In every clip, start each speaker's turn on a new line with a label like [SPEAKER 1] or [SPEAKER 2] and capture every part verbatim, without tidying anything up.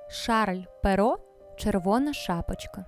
[SPEAKER 1] Шарль Перо «Червона шапочка».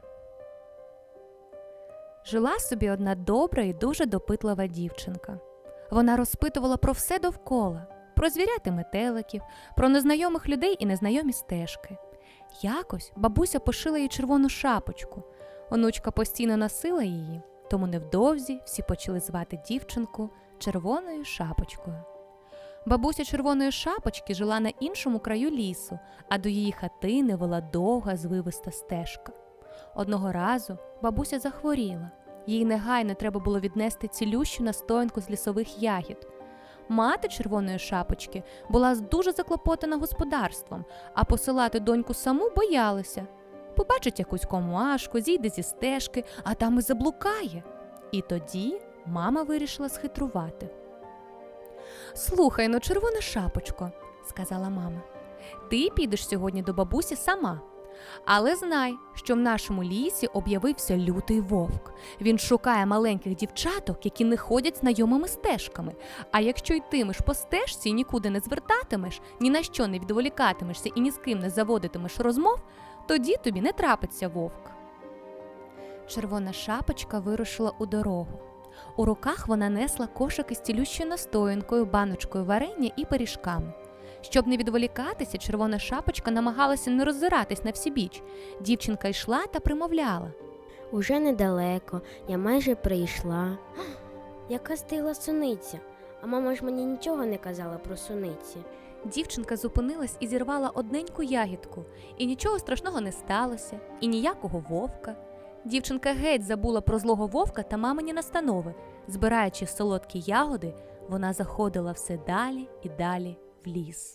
[SPEAKER 1] Жила собі одна добра і дуже допитлива дівчинка. Вона розпитувала про все довкола, про звірят і метеликів, про незнайомих людей і незнайомі стежки. Якось бабуся пошила їй червону шапочку. Онучка постійно носила її, тому невдовзі всі почали звати дівчинку Червоною шапочкою. Бабуся Червоної шапочки жила на іншому краю лісу, а до її хатини вела довга звивиста стежка. Одного разу бабуся захворіла. Їй негайно треба було віднести цілющу настоянку з лісових ягід. Мати Червоної шапочки була дуже заклопотана господарством, а посилати доньку саму боялася. Побачить якусь комашку, зійде зі стежки, а там і заблукає. І тоді мама вирішила схитрувати. «Слухай, ну, Червона шапочко», – сказала мама, – «ти підеш сьогодні до бабусі сама. Але знай, що в нашому лісі об'явився лютий вовк. Він шукає маленьких дівчаток, які не ходять знайомими стежками. А якщо йтимеш по стежці і нікуди не звертатимеш, ні на що не відволікатимешся і ні з ким не заводитимеш розмов, тоді тобі не трапиться вовк». Червона шапочка вирушила у дорогу. У руках вона несла кошик із цілющою настоянкою, баночкою варення і пиріжками. Щоб не відволікатися, Червона шапочка намагалася не роззиратись на всібіч. Дівчинка йшла та примовляла.
[SPEAKER 2] «Уже недалеко, я майже прийшла. Яка стигла суниця, а мама ж мені нічого не казала про суниці».
[SPEAKER 1] Дівчинка зупинилась і зірвала одненьку ягідку. І нічого страшного не сталося, і ніякого вовка. Дівчинка геть забула про злого вовка та мамині настанови. Збираючи солодкі ягоди, вона заходила все далі і далі в ліс.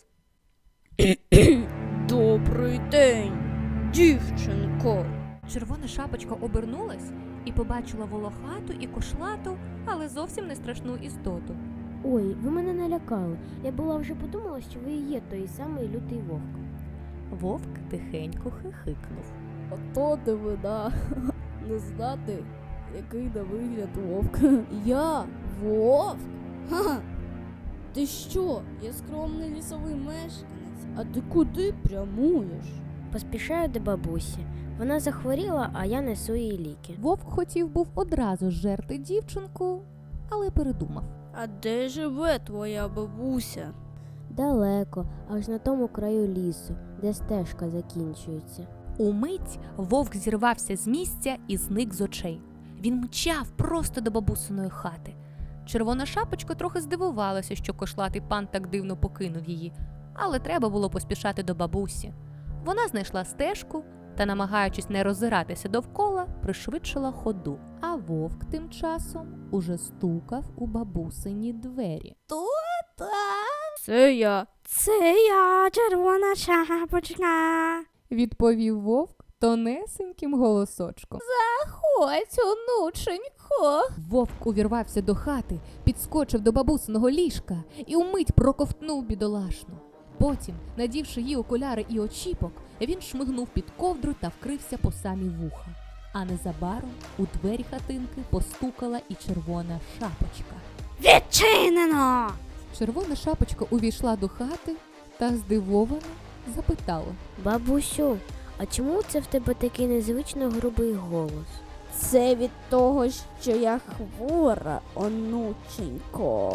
[SPEAKER 3] Добрий день, дівчинко.
[SPEAKER 1] Червона шапочка обернулась і побачила волохату і кошлату, але зовсім не страшну істоту.
[SPEAKER 2] «Ой, ви мене налякали. Я була вже подумала, що ви і є той самий лютий вовк».
[SPEAKER 1] Вовк тихенько хихикнув.
[SPEAKER 3] Ото дивина, не знати, який на вигляд вовк. Я вовк? Ха! Ти що? Я скромний лісовий мешканець. А ти куди прямуєш?
[SPEAKER 2] Поспішаю до бабусі. Вона захворіла, а я несу їй ліки.
[SPEAKER 1] Вовк хотів був одразу жерти дівчинку, але передумав.
[SPEAKER 3] А де живе твоя бабуся?
[SPEAKER 2] Далеко, аж на тому краю лісу, де стежка закінчується.
[SPEAKER 1] Умить вовк зірвався з місця і зник з очей. Він мчав просто до бабусиної хати. Червона шапочка трохи здивувалася, що кошлатий пан так дивно покинув її, але треба було поспішати до бабусі. Вона знайшла стежку та, намагаючись не роззиратися довкола, пришвидшила ходу. А вовк тим часом уже стукав у бабусині двері.
[SPEAKER 3] Хто там? Це я.
[SPEAKER 2] Це я, Червона шапочка.
[SPEAKER 1] Відповів вовк тонесеньким голосочком.
[SPEAKER 3] Заходь, онученько.
[SPEAKER 1] Вовк увірвався до хати, підскочив до бабусиного ліжка і умить проковтнув бідолашну. Потім, надівши їй окуляри і очіпок, він шмигнув під ковдру та вкрився по самі вуха. А незабаром у двері хатинки постукала і Червона шапочка.
[SPEAKER 2] Відчинено!
[SPEAKER 1] Червона шапочка увійшла до хати та здивовано запитала.
[SPEAKER 2] Бабусю, а чому це в тебе такий незвично грубий голос?
[SPEAKER 3] Це від того, що я хвора, онученько.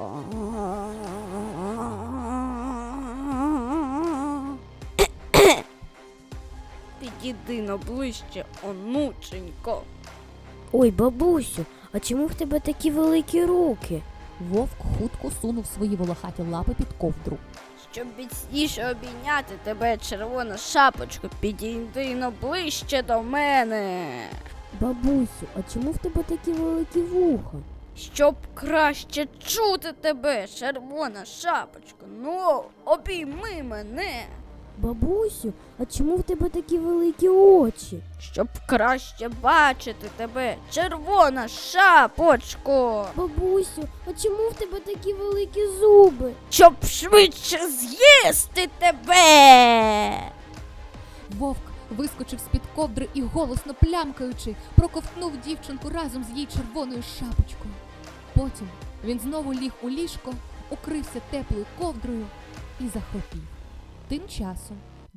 [SPEAKER 3] Підійди на ближче, онученько.
[SPEAKER 2] Ой, бабусю, а чому в тебе такі великі руки?
[SPEAKER 1] Вовк хутко сунув свої волохаті лапи під ковдру.
[SPEAKER 3] Щоб міцніше обійняти тебе, червона шапочко, підійди на ближче до мене.
[SPEAKER 2] Бабусю, а чому в тебе такі великі вуха?
[SPEAKER 3] Щоб краще чути тебе, червона шапочко, ну, обійми мене.
[SPEAKER 2] Бабусю, а чому в тебе такі великі очі?
[SPEAKER 3] Щоб краще бачити тебе, червона шапочко.
[SPEAKER 2] Бабусю, а чому в тебе такі великі зуби?
[SPEAKER 3] Щоб швидше з'їсти тебе.
[SPEAKER 1] Вовк вискочив з-під ковдри і, голосно плямкаючи, проковтнув дівчинку разом з її червоною шапочкою. Потім він знову ліг у ліжко, укрився теплою ковдрою і захропів. Тим часом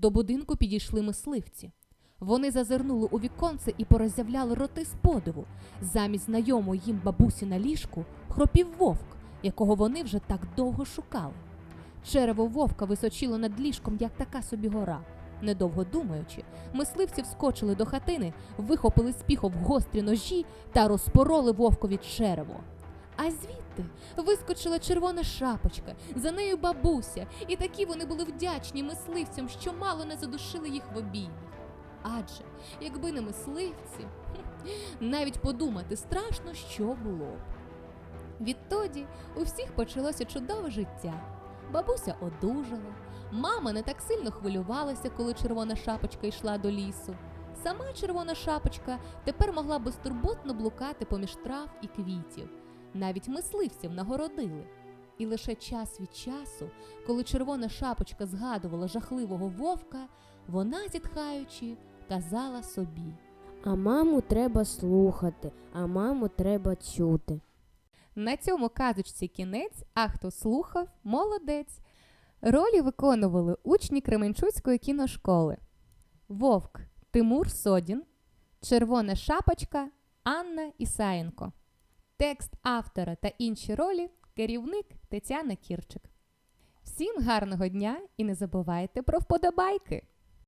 [SPEAKER 1] До будинку підійшли мисливці. Вони зазирнули у віконце і пороззявляли роти з подиву. Замість знайомої їм бабусі на ліжку хропів вовк, якого вони вже так довго шукали. Черево вовка височило над ліжком, як така собі гора. Недовго думаючи, мисливці вскочили до хатини, вихопили з піхов гострі ножі та розпороли вовкові черево. А звідти вискочила червона шапочка, за нею бабуся, і такі вони були вдячні мисливцям, що мало не задушили їх в обіймі. Адже, якби не мисливці, навіть подумати страшно, що було б. Відтоді у всіх почалося чудове життя. Бабуся одужала, мама не так сильно хвилювалася, коли червона шапочка йшла до лісу. Сама червона шапочка тепер могла безтурботно блукати поміж трав і квітів. Навіть мисливців нагородили. І лише час від часу, коли червона шапочка згадувала жахливого вовка, вона, зітхаючи, казала собі:
[SPEAKER 2] А маму треба слухати, а маму треба чути.
[SPEAKER 1] На цьому казочці кінець, а хто слухав – молодець. Ролі виконували учні Кременчуцької кіношколи. Вовк – Тимур Содін, Червона шапочка – Анна Ісаєнко. Текст автора та інші ролі – керівник Тетяна Кірчик. Всім гарного дня і не забувайте про вподобайки!